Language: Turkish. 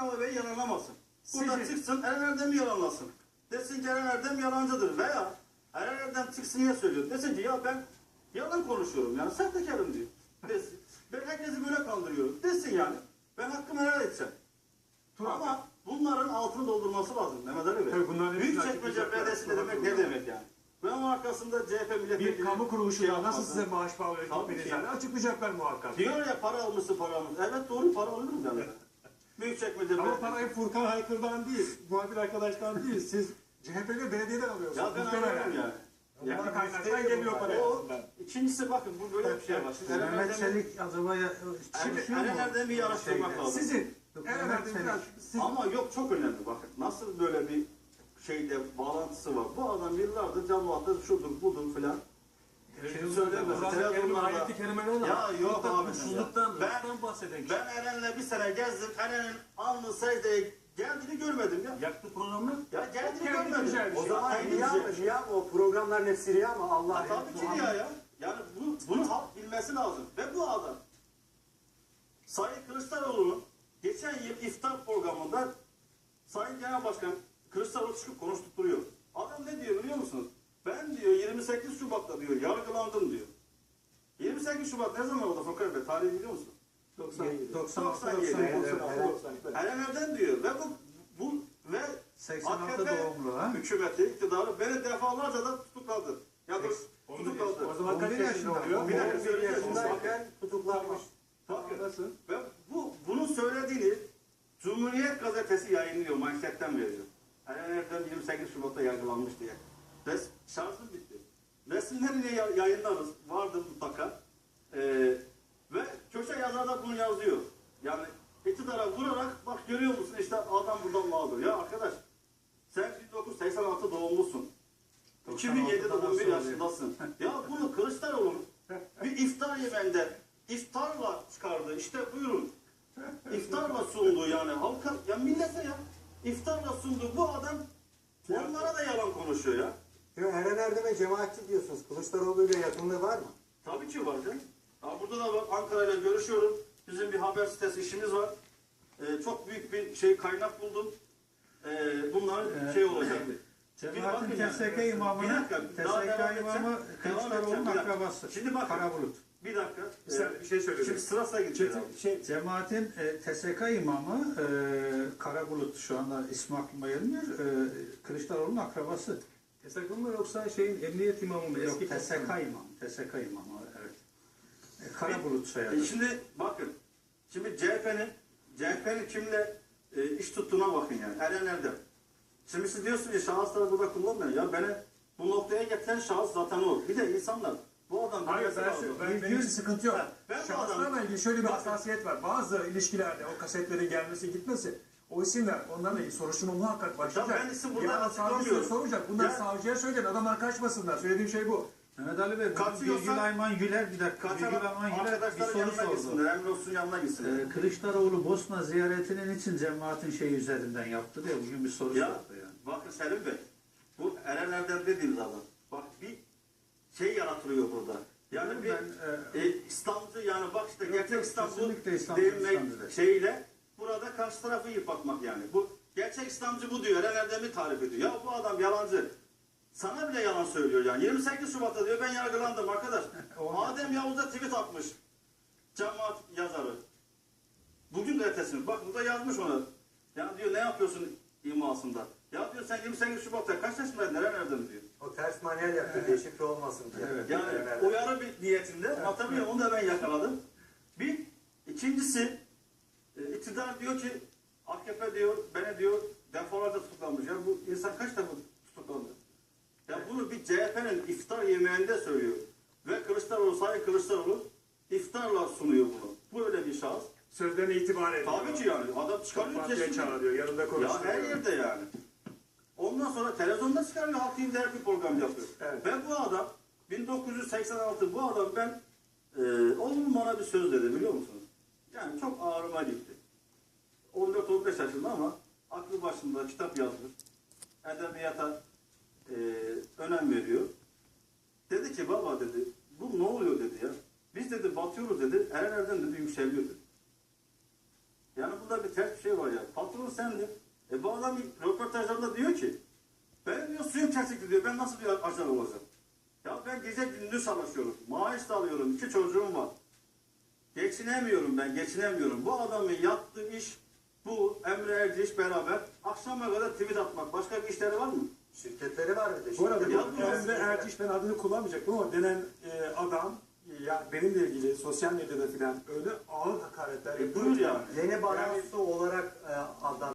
Mustafa Bey yalanlamasın. Burada çıksın, Eren Erdem'i yalanlasın. Desin ki Eren Erdem yalancıdır veya Eren Erdem çıksın niye söylüyor? Desin ki ya ben yalan konuşuyorum yani sahtekarım diyor. Desin. Ben herkesi böyle kandırıyorum. Desin yani. Ben hakkımı helal edeceğim. Ama bunların altını doldurması lazım Mehmet Ali Bey. Büyükçekmece Belediyesi de demek ne demek yani? Ve onun arkasında CHP milletvekili... Bir kamu kuruluşu nasıl size maaş bağlı gitmeyeceğini açıklayacaklar muhakkak. Diyor ya para almışsın para almışsın. Evet doğru para alırım yani. Büyükçekmece Ama parayı Furkan Haykır'dan değil, muhabir arkadaştan değil. Siz CHP'li belediyeden alıyorsunuz. Ya ben alıyorum yani. Yani kaynaktan geliyor para. İkincisi bakın bu böyle bir şey var. Mehmet Çelik acaba çalışıyor mu? Eren Erdem'i yarıştırmak lazım. Sizin. Ama yok çok önemli bakın. Nasıl böyle bir şeyde bağlantısı var. Bu adam yıllardır cemaatler şudur budur filan. Söylemez. Ayet-i kerimeler ya yok abi. Ben bahseden ben Eren'le bir sene gezdim. Eren'in alnı secdeye geldiğini görmedim ya. yaktı programı. Ya geldiğini görmedim. O zaman riya mı? O programların hepsi riya mı? Allah tabii ki riya ya. Yani bunu halk bilmesi lazım. Ve bu adam Sayın Kılıçdaroğlu'nun geçen yıl iftar programında Sayın Genel Başkan Kılıçdaroğlu çıkıp konuşturuyor. Adam ne diyor biliyor musunuz? Ben diyor 28 Şubat'ta diyor yargılandım diyor. 28 Şubat ne zaman oldu Furkan Bey? Tarihi biliyor musun? 97. Eren Erdem diyor ve bu ve 86 AKP doğumlu ha? hükümeti, iktidarı beni defalarca da tutukladı. Ya tutukladı. O zaman kaç yaşında oluyor? Bir dakika söyleyeceğim. yaşındayken tutuklanmış. Bakın. Ve bunun söylediğini Cumhuriyet Gazetesi yayınlıyor, manşetten veriyor. Eren Erdem 28 Şubat'ta yargılanmış diye. Şarjım bitti. Resimlerini yayınlarız, vardır mutlaka. Ve köşe yazar da bunu yazıyor. Yani iktidara vurarak bak görüyor musun işte adam buradan mağdur. Ya arkadaş sen 1986 doğumlusun. 2007 doğum bir yaşındasın. Ya bunu Kılıçdaroğlu'nun bir iftar yemeğinde iftarla çıkardı. İşte buyurun. İftarla sundu yani halka, ya millete ya. İftarla sundu. Bu adam onlara da yalan konuşuyor ya. Eren Erdem'e cemaatçi diyorsunuz. Kılıçdaroğlu'yla yakınlığı var mı? Tabii ki var canım. Burada da bak Ankara'yla görüşüyorum. Bizim bir haber sitesi işimiz var. Çok büyük bir kaynak buldum. Bunların olacak. Cemaatin TSK imamı Kılıçdaroğlu'nun akrabası. Şimdi bakın. Karabulut. Bir dakika. Bir şey söyleyeyim. Şimdi sırasına gideceğiz. Cemaatin TSK imamı Karabulut şu anda ismi aklıma gelmiyor. Kılıçdaroğlu'nun akrabası. TSK mı yoksa emniyet imamı mı? Yok TSK imamı. TSK imamı evet. Karabulut soyadı. Şimdi bakın. Şimdi CHP'nin kimle iş tuttuğuna bakın yani. Eren Erdem. Şimdi siz diyorsunuz ki şahısları burada kullanmayın. Ya beni bu noktaya getiren şahıs zaten o. Bir de insanlar. Bu adam benim için sıkıntı yok. Ben Şahıslarla ilgili şöyle bir hassasiyet var. Bazı ilişkilerde o kasetlerin gelmesi gitmesi, o isimler onlarla ilgili soruşturma muhakkak başlayacak. Ben isim buradan açıklamıyorum. Soracak. Bunlar savcıya söyleyin. Adamlar kaçmasınlar. Söylediğim şey bu. Mehmet Ali Bey, Bilgül Ayman Güler bir dakika. Bilgül Ayman Güler bir soru sordu. Emrolsun yanına gitsin. Kılıçdaroğlu Bosna ziyaretinin için cemaatin üzerinden yaptı diye bugün bir soru sordu yani. Bakın Selim Bey, bu Eren Erdem dediğiniz adam. Bak bir yaratılıyor burada. Yani İslamcı yani bak işte gerçek İslamcı demek şeyle burada karşı tarafı yıpratmak yani. Bu gerçek İslamcı bu diyor. Eren Erdem'i tarif ediyor. Ya bu adam yalancı. Sana bile yalan söylüyor yani. 28 Şubat'ta diyor ben yargılandım arkadaş. Adem Yavuz da tweet atmış. Cemaat yazarı. Bugün gazetesini. Bak burada yazmış ona. Ya diyor ne yapıyorsun imasında. Ya diyor sen 28 Şubat'ta kaç yaşındaydın Eren Erdem diyor. O ters manuel yaptı. Deşifre olmasın diye. Evet. Yani uyarı bir niyetinde. Hatırlıyorum onu da ben yakaladım. İkincisi iktidar diyor ki AKP diyor beni diyor defalarca tutuklanmış. Ya bu insan kaç defa tutuklandı? Ya bunu bir CHP'nin iftar yemeğinde söylüyor. Ve Sayın Kılıçdaroğlu iftarla sunuyor bunu. Bu öyle bir şahıs. Sözlerine itibar ediyor. Tabii ki yani. Adam çıkarıyor kesin. Çağırıyor, yanında konuşuyor. Ya her yerde yani. Ondan sonra televizyonda çıkarıyor, Halk TV'de bir program yapıyor. Evet. Ve bu adam 1986 bu adam oğlum bana bir söz dedi biliyor musunuz? Yani çok ağrıma gitti. 14-15 yaşında ama aklı başında kitap yazmış. Edebiyata önem veriyor. Dedi ki baba dedi bu ne oluyor dedi ya. Biz dedi batıyoruz dedi. Eren Erdem dedi yükseliyor dedi. Yani burada bir ters bir şey var ya. Patron sendin. Bu adam röportajlarında diyor ki ben diyor suyum kesikti diyor. Ben nasıl bir ajan olacağım? Ya ben gece gündüz çalışıyorum. Maaş da alıyorum. 2 çocuğum var. Geçinemiyorum ben. Geçinemiyorum. Bu adamın yaptığı iş bu Emre Erciş beraber akşama kadar tweet atmak. Başka bir işleri var mı? Şirketleri var bir de. Bu arada Yapmıyor. Emre Erciş, ben adını kullanmayacaktım ama denen adam ya benimle ilgili sosyal medyada filan öyle ağır hakaretler yapıyor. Buyur yani. Yeni barosu olarak